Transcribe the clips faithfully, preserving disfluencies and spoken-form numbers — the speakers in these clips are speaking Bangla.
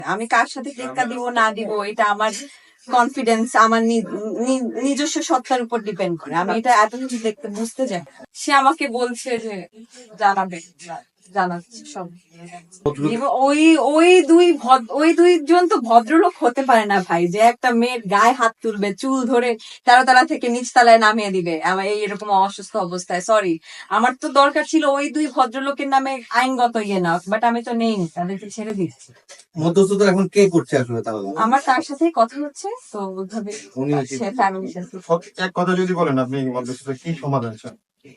আমি কার সাথে টেক্কা দিব না দিব এটা আমার কনফিডেন্স, আমার নিজস্ব সত্তার উপর ডিপেন্ড করে। আমি এটা এত কিছু দেখতে বুঝতে যাই। সে আমাকে বলছে যে জানাবে, জানাচ্ছে সব। ওই ওই দুই ওই দুইজন তো ভদ্রলোক হতে পারে না ভাই, যে একটা মেয়ের গায়ে হাত তুলবে, চুল ধরে তেরো তলা থেকে নিচ তলায় নামিয়ে দিবে আমার এই এরকম অসুস্থ অবস্থায়। সরি, আমার তো দরকার ছিল ওই দুই ভদ্রলোকের নামে আইনগত ইয়ে না, বাট আমি তো নেইনি, তাদেরকে ছেড়ে দিচ্ছি। মধ্যস্থতা এখন কে করছে আসলে? তাহলে আমার তার সাথেই কথা হচ্ছে, তো ওইভাবে সে ফ্যামিলির সাথে। এক কথা যদি বলেন আপনি মধ্যস্থতা কি সমাধান চান?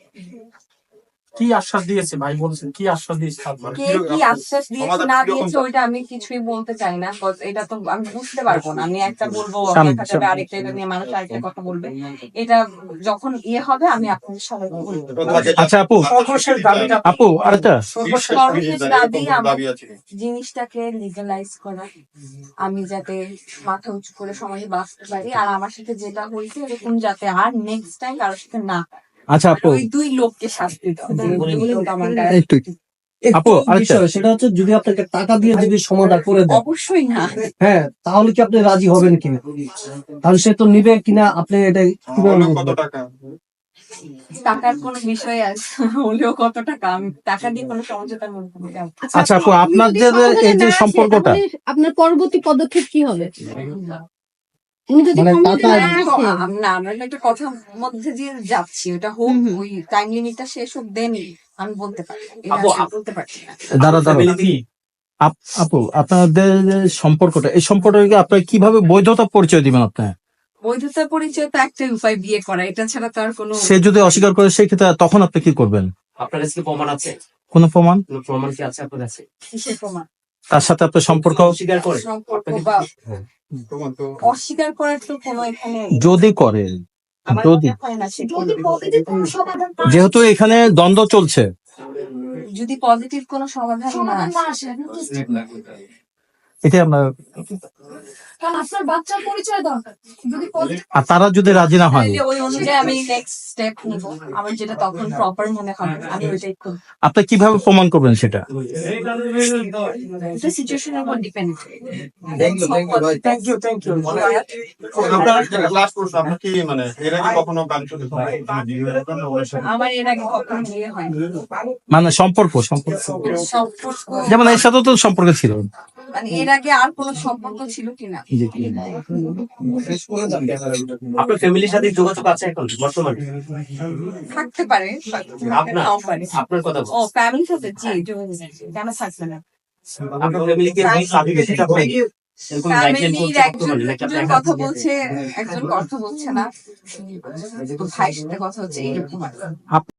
কি আশ্বাস দিয়েছে ভাই, বলছেন কি আশ্বাস দিয়েছে? কে কি আশ্বাস দিয়েছে না দিয়েছে ওইটা আমি কিছুই বলতে চাই না, এটা তো আমি বুঝতে পারবো না। আমি একটা বলবো, দেখা যাবে আরেকটা, এটা নিয়ে মানুষ আরেকটা কথা বলবে। এটা যখন ইয়ে হবে আমি আপনাদের সবাই বলবো। আচ্ছা আপু, আপু আরেকটা সর্বশেষ দাবি আমার জিনিসটাকে লিগালাইজ করা, আমি যাতে মাথা উঁচু করে সমাজে বাঁচতে পারি। আর আমার সাথে যেটা হয়েছে এরকম যাতে আর নেক্সট টাইম কারোর সাথে না। আচ্ছা আপু, ওই দুই লোককে শাস্তি দাও। একটু আপু আরেকটা, সেটা হচ্ছে যদি আপনাকে টাকা দিয়ে যদি সমাধান করে দেয়, অবশ্যই না। হ্যাঁ, তাহলে কি আপনি রাজি হবেন কিনা? তাহলে সে তো নিবে কিনা আপনি এটা কিভাবে কত টাকা? টাকার কোনো বিষয় আছে হলেও কত টাকা, আমি টাকা দিয়ে কোনো সমঝোতার মধ্যে নেই। আচ্ছা আপু, আপনার যে এই যে সম্পর্কটা, আপনার পরবর্তী পদক্ষেপ কি হবে? উনি যদি মানে সম্মতি টাকা- না আসে, না, আমরা একটা কথার মধ্যে দিয়ে যাচ্ছি, ওটা হোক, ওই টাইম লিমিটটা শেষ হোক, দেন আমি বলতে পারি। আপু, বলতে পারছি না। দাঁড়া দাঁড়া আপ- আপু, আপনাদের যে সম্পর্কটা, এই সম্পর্কটাকে আপনার কিভাবে বৈধতা পরিচয় দিবেন? আপনার বৈধতা পরিচয় তো একটাই উপায়, বিয়ে করা। এটা ছাড়া তো আর কোনো। সে যদি অস্বীকার করে সেই ক্ষেত্রে তখন আপনি কি করবেন? আপনার কাছে কি প্রমাণ আছে? কোন প্রমাণ? কোনো প্রমাণ কি আছে আপনার কাছে? কিসের প্রমাণ? তার সাথে আপনার সম্পর্ক অস্বীকার করে? সম্পর্ক বা অস্বীকার করার তো কোনো এখানে যদি করে, আমার যদি মনে হয় না সে যদি করবে। পজিটিভ কোনো সমাধান না যেহেতু এখানে দ্বন্দ্ব চলছে, যদি পজিটিভ কোনো সমাধান না সমাধান না আসে, আসে, এটা আমরা, কারণ আপনার বাচ্চার পরিচয় দরকার। যদি পজিটিভ আর তারা যদি রাজি না হয়, তাহলে ওই অনুযায়ী আমি নেক্সট স্টেপ নিব। আমার যেটা তখন প্রপার মনে হবে আমি ওইটাই করব। আপনি কিভাবে প্রমাণ করবেন সেটা? এটা সিচুয়েশনের উপর ডিপেন্ড করে। Thank you, thank you, ভাই। থ্যাংক ইউ থ্যাংক ইউ আপনার লাস্ট প্রশ্ন, আপনার কি মানে এর আগে কখনো গান শুনতে আমার এর আগে কখনো বিয়ে হয়নি। মানে সম্পর্ক সম্পর্ক সম্পর্ক যেমন এর সাথে তো সম্পর্ক ছিল। মানে এর আগে আর কোনো সম্পর্ক ছিল কিনা আপনার ফ্যামিলির সাথে যোগাযোগ আছে এখন বর্তমানে? থাকতে পারে, আপনার নাও পারে। আপনার কথা ও ফ্যামিলির সাথে জি যোগাযোগ আছে। কেন থাকবে না? আপনার ফ্যামিলিকে সেটা বলেন। এরকম গাইডলাইন ফ্যামিলির করছে একজন বর্তমানে নাকি আপনি একজন একা? কথা বলছে, একজন কথা বলছে না, ভাইয়ের সাথে কথা হচ্ছে, এরকম আর কি।